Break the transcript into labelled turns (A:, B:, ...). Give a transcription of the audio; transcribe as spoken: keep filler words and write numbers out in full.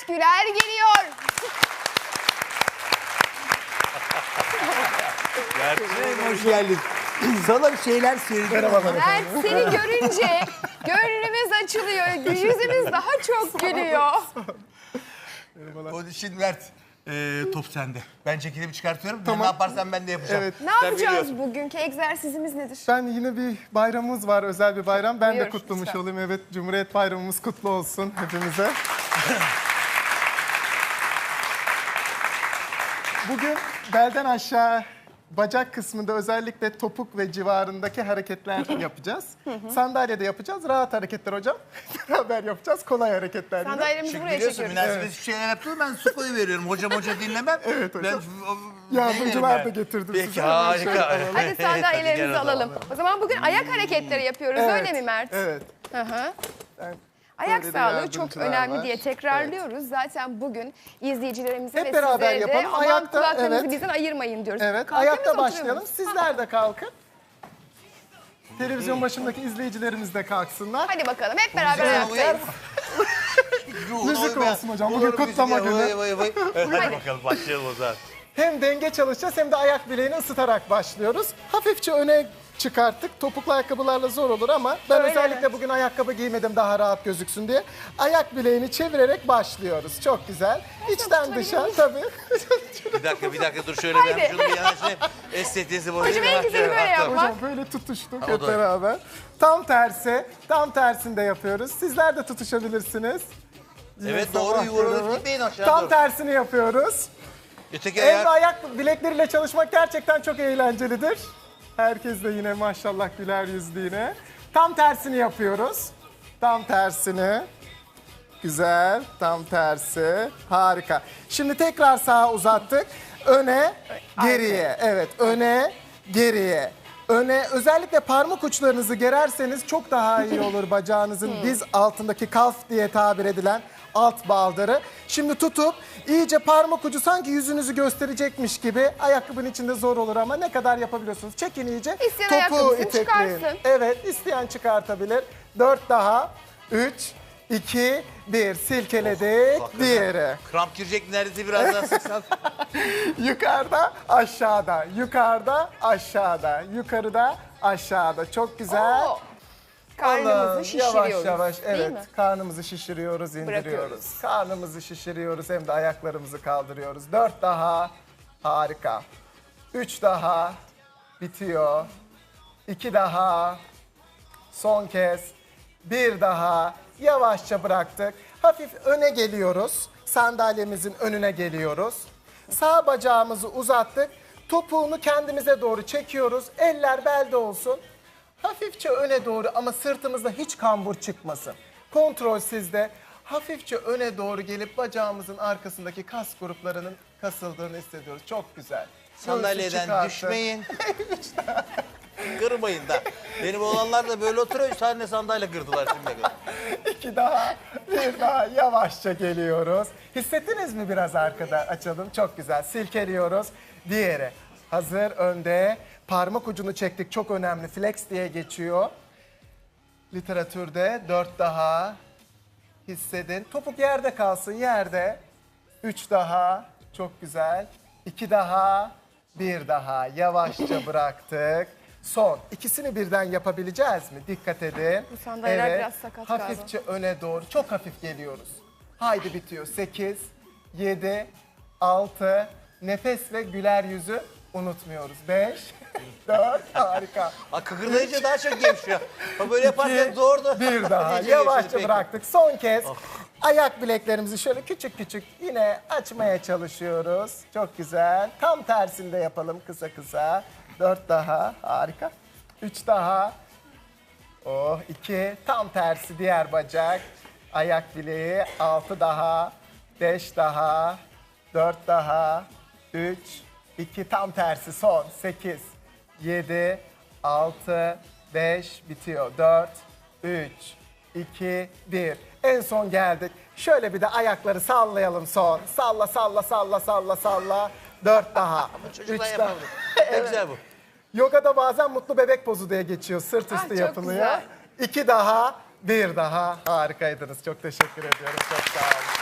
A: Mert Güler geliyor.
B: Mert'ciğim hoş geldin. Sana bir şeyler söyleyeceğim.
A: Mert seni görünce gönlümüz açılıyor. Yüzümüz daha çok gülüyor.
B: O şimdi Mert, e, top sende. Ben çekilimi çıkartıyorum.
C: Tamam.
B: Ne yaparsan ben de yapacağım.
C: Evet.
A: Ne
B: Sen
A: yapacağız
B: biliyorsun.
A: bugünkü egzersizimiz nedir?
C: Ben yine bir bayramımız var, özel bir bayram. Ben
A: Buyur,
C: de kutlamış
A: lütfen.
C: olayım. Evet, Cumhuriyet Bayramımız kutlu olsun hepimize. Bugün belden aşağı bacak kısmında özellikle topuk ve civarındaki hareketler yapacağız. Sandalyede yapacağız. Rahat hareketler hocam. Beraber yapacağız. Kolay hareketler. yine.
A: Sandalyemizi
B: Çünkü
A: buraya
B: biliyorsun
A: çekiyoruz.
B: münasebetsiz şeyler yaptım, ben su koyu veriyorum. Hocam hoca dinlemem.
C: Evet hocam.
B: Ben,
C: Yardımcılar
B: yani.
C: da getirdim
B: Peki,
C: size.
B: harika.
A: Hadi sandalyelerimizi
B: Hadi gel o
A: alalım.
B: zaman.
A: O zaman bugün ayak hareketleri yapıyoruz öyle mi Mert?
C: Evet.
A: Hı hı.
C: Ben-
A: Ayak
C: Böyle de
A: sağlığı çok
C: yardımcılar
A: önemli
C: var.
A: diye tekrarlıyoruz. Zaten bugün izleyicilerimize
C: Hep
A: ve
C: beraber
A: sizlere de
C: yapalım.
A: aman
C: Ayakta,
A: kulaklarınızı
C: evet.
A: bizden ayırmayın diyoruz.
C: Evet,
A: Kalkıyor muyuz,
C: ayakta
A: oturuyor
C: başlayalım.
A: muyuz?
C: Sizler de kalkın. Televizyon başındaki izleyicilerimiz de kalksınlar.
A: Hadi bakalım hep beraber
B: Uyar.
A: ayaktayız.
C: Müzik olsun hocam, bugün kutlama günü.
B: Vay, vay, vay. Evet, hadi
A: Hadi.
B: bakalım başlayalım o zaman.
C: Hem denge çalışacağız hem de ayak bileğini ısıtarak başlıyoruz. Hafifçe öne çıkarttık. Topuklu ayakkabılarla zor olur ama ben
A: Öyle
C: özellikle
A: mi?
C: bugün ayakkabı giymedim daha rahat gözüksün diye. Ayak bileğini çevirerek başlıyoruz. Çok güzel. İçten dışa tabii.
B: Bir dakika, bir dakika dur şöyle
A: Haydi.
B: ben şunu bir yanaşayım. Estetiğinizi bozayım.
A: Hocam en güzeli böyle yapmak.
C: Hocam böyle tutuştuk
B: o
C: hep
B: da-
C: beraber. Tam tersi, tam tersini de yapıyoruz. Sizler de tutuşabilirsiniz.
B: Evet
C: Yine
B: doğru
C: sabah
B: yuvarlanıp
C: görevi.
B: gitmeyin aşağı
C: Tam
B: doğru.
C: tersini yapıyoruz.
B: Öteki
C: El ve
B: ayak.
C: ayak bilekleriyle çalışmak gerçekten çok eğlencelidir. Herkes de yine maşallah güler yüzlü yine. Tam tersini yapıyoruz. Tam tersini. Güzel. Tam tersi. Harika. Şimdi tekrar sağa uzattık. Öne, geriye. Evet, öne, geriye. Öne, özellikle parmak uçlarınızı gererseniz çok daha iyi olur bacağınızın diz altındaki kalf diye tabir edilen alt baldırı. Şimdi tutup iyice parmak ucu sanki yüzünüzü gösterecekmiş gibi, ayakkabının içinde zor olur ama ne kadar yapabiliyorsunuz. Çekin iyice.
A: İsteyen ayakkabısını çıkarsın.
C: Evet, isteyen çıkartabilir. Dört daha. Üç, iki, bir. Silkeledik.
B: Hakikaten.
C: Diğeri.
B: Kramp girecek neredeyse biraz daha sıksan.
C: Yukarıda, aşağıda. Yukarıda, aşağıda. Yukarıda, aşağıda. Çok güzel.
A: Oo. Karnımızı
C: Allah'ım,
A: şişiriyoruz.
C: Yavaş yavaş
A: Değil
C: evet.
A: mi?
C: Karnımızı şişiriyoruz, indiriyoruz.
A: Bırakıyoruz.
C: Karnımızı şişiriyoruz hem de ayaklarımızı kaldırıyoruz. Dört daha. Harika. Üç daha. Bitiyor. İki daha. Son kez. Bir daha. Yavaşça bıraktık. Hafif öne geliyoruz. Sandalyemizin önüne geliyoruz. Sağ bacağımızı uzattık. Topuğunu kendimize doğru çekiyoruz. Eller belde olsun. Hafifçe öne doğru ama sırtımızda hiç kambur çıkmasın. Kontrol sizde. Hafifçe öne doğru gelip bacağımızın arkasındaki kas gruplarının kasıldığını hissediyoruz. Çok güzel. Göğsü
B: Sandalyeden
C: çıkartın.
B: düşmeyin. Kırmayın da. Benim oğlanlar da böyle oturuyor. Üç tane sandalye kırdılar şimdiye kadar.
C: İki daha, bir daha yavaşça geliyoruz. Hissettiniz mi biraz arkada? Açalım. Çok güzel. Silkeliyoruz. Diğeri. Hazır önde. Parmak ucunu çektik. Çok önemli. Flex diye geçiyor. Literatürde. Dört daha. Hissedin. Topuk yerde kalsın. Yerde. Üç daha. Çok güzel. İki daha. Bir daha. Yavaşça bıraktık. Son. İkisini birden yapabileceğiz mi? Dikkat edin.
A: Bu sandalyeler biraz sakat galiba.
C: Hafifçe öne doğru. Çok hafif geliyoruz. Haydi bitiyor. Sekiz, yedi, altı. Nefes ve güler yüzü unutmuyoruz. Beş, dört. Harika.
B: Ha, kıkırdayınca daha çok gevşiyor. Ha, böyle yaparken
C: İki,
B: zor da.
C: Bir daha.
B: İyice
C: Yavaşça
B: gevşedi, peki.
C: bıraktık. Son kez ayak bileklerimizi şöyle küçük küçük yine açmaya çalışıyoruz. Çok güzel. Tam tersinde yapalım kısa kısa. Dört daha. Harika. Üç daha. Oh, iki. Tam tersi diğer bacak. Ayak bileği. Altı daha. Beş daha. Dört daha. Üç. iki. Tam tersi son. Sekiz. Yedi. Altı. Beş. Bitiyor. Dört. Üç. iki. Bir. En son geldik. Şöyle bir de ayakları sallayalım son. Salla salla salla salla salla. Dört daha.
B: Çocuklar
C: Üç daha.
B: yapamadı. Ne güzel bu.
C: Yogada bazen mutlu bebek pozu diye geçiyor. Sırt
A: Ah,
C: üstü
A: çok
C: yapılıyor.
A: güzel.
C: İki daha, bir daha. Harikaydınız. Çok teşekkür ediyorum. Çok sağ olun.